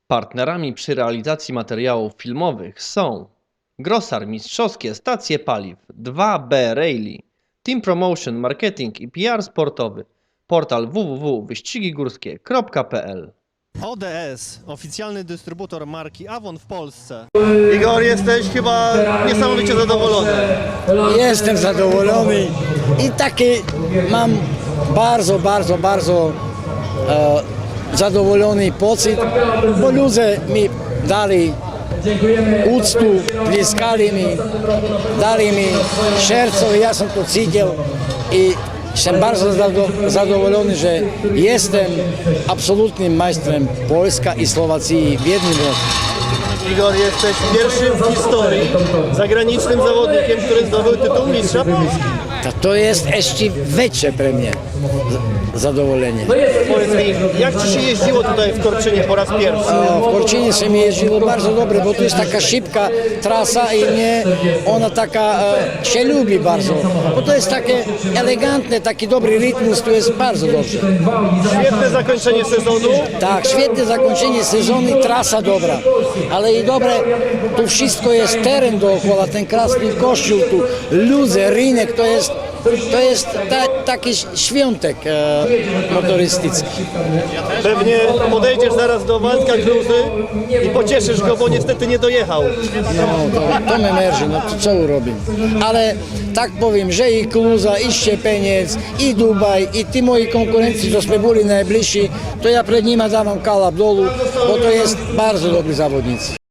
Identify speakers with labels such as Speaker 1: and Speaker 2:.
Speaker 1: Partnerami przy realizacji materiałów filmowych są Grosar Mistrzowskie Stacje Paliw, 2B Rally, Team Promotion Marketing i PR Sportowy, portal www.wyścigigórskie.pl.
Speaker 2: ODS, oficjalny dystrybutor marki Avon w Polsce.
Speaker 3: Igor, jesteś chyba niesamowicie zadowolony.
Speaker 4: Jestem zadowolony i taki mam bardzo zadowolony pocit, bo ludzie mi dali uctu, bliskali mi, dali mi serce, ja sam to cítil i jestem bardzo zadowolony, że jestem absolutnym majstrem Polska i Słowacji w jednym roku.
Speaker 3: Igor, jesteś pierwszym w historii zagranicznym zawodnikiem, który zdobył tytuł mistrza Polski.
Speaker 4: To jest jeszcze większe pre mnie zadowolenie.
Speaker 3: Powiedz mi, jak ci się jeździło tutaj w Korczynie po raz pierwszy?
Speaker 4: W Korczynie się mi jeździło bardzo dobrze, bo to jest taka szybka trasa i mnie ona taka się lubi bardzo. Bo to jest takie elegantne, taki dobry rytm, to jest bardzo dobrze.
Speaker 3: Świetne zakończenie sezonu.
Speaker 4: Tak, świetne zakończenie sezonu i trasa dobra. Ale i dobre, tu wszystko jest teren dookoła, ten krasny kościół, tu ludzie, rynek, to jest taki świątek motorystycki.
Speaker 3: Pewnie podejdziesz zaraz do Waldka Gruzy i pocieszysz go, bo niestety nie dojechał.
Speaker 4: No, to mnie męczy, no to co urobię. Ale tak powiem, że i Kluza, i Szczepeniec, i Dubaj, i ci moi konkurenci, co byli najbliżsi, to ja przed nimi dam kalap dolu, bo to jest bardzo dobry zawodnicy.